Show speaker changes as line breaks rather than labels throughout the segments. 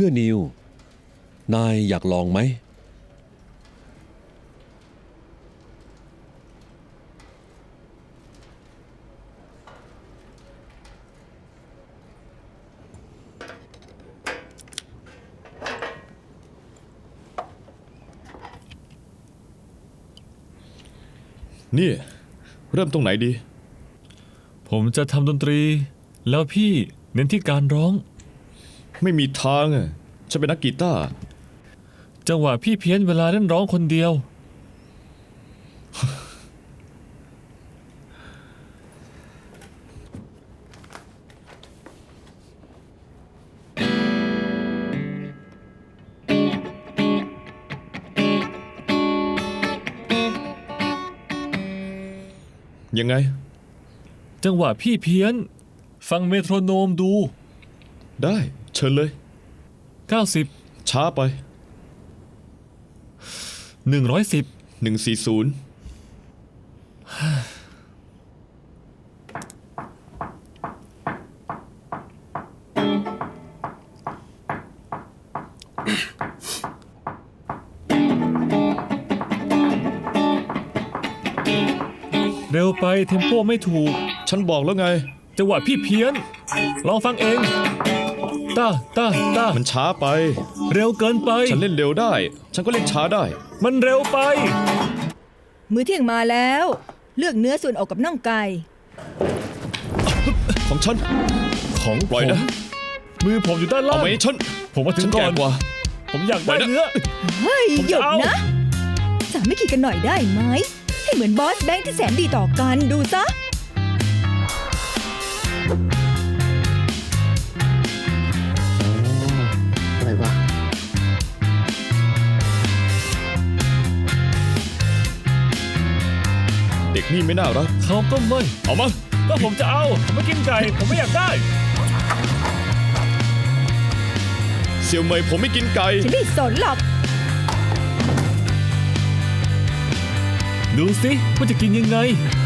พื่อนิว นายอยากลองไหม
นี่เริ่มตรงไหนดี
ผมจะทำดนตรีแล้วพี่เน้นที่การร้อง
ไม่มีทางอ่ะฉันเป็นนักกีตาร์
จังหวะพี่เพี้ยนเวลาเล่นร้องคนเดียว
ยังไง
จังหวะพี่เพี้ยนฟังเมโทรโนมดู
ได้เชิญเลย
90
ช้าไป
110
140
เร็วไปเทมโปไม่ถูก
ฉันบอกแล้วไง
จังหวะพี่เพี้ยนลองฟังเองต้า
มันช้าไป
เร็วเกินไป
ฉันเล่นเร็วได้ฉันก็เล่นช้าได้
มันเร็วไป
มื้อเที่ยงมาแล้วเลือกเนื้อส่วนอกกับน่องไก่
ของฉัน
ของ
ปล่อยนะ
มือผมอยู่ด้านล่าง
เอาไหมฉัน
ผมมาถึงก่อนผมอยากได้เนื้อ
เฮ้ยหยุดนะสามัคคีกันหน่อยได้ไหมให้เหมือนบอสแบงค์ที่แสนดีต่อกันดูซะ
อะไรวะ
เด็กนี่ไม่น่ารัก
เขาก็ไม่
เอามา
ก็ผมจะเอาผมไม่กินไก่ผมไม่อยากได้
เสี่ยวเหมยผมไม่กินไก่
ฉันไม่สนหรอก
ดูสิว่าจะกินยังไง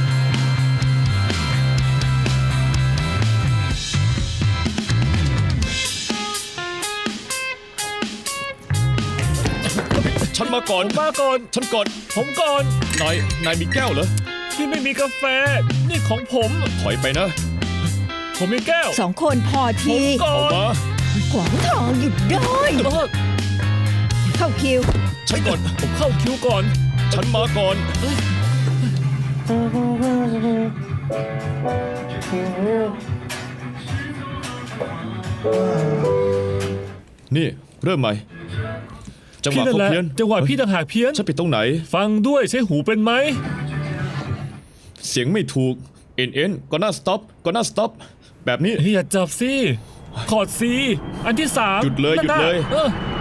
ฉันมาก่อนฉันก่อน
ผมก่อน
นายมีแก้วเหรอ
พี่ไม่มีกาแฟนี่ของผม
ถอยไปนะ
ผมมีแก้ว
2 คนพอที
เอามา
ขวางทางหยุดได้เข้าคิว
ฉันก่อน
ผมเข้าคิวก่อน
ฉันมาก่อนนี่เริ่มใหม่จังหวะเขาเพี้ยน
จังหวะพี่ต่างหากเพี้ยน
ฉันผิดตรงไหน
ฟังด้วยใช้หูเป็นไหม
เสียงไม่ถูกเอ็นก็น่าสต็อปแบบนี้
อย่าจับสิคอร์ด C อันที่3
หยุดเลย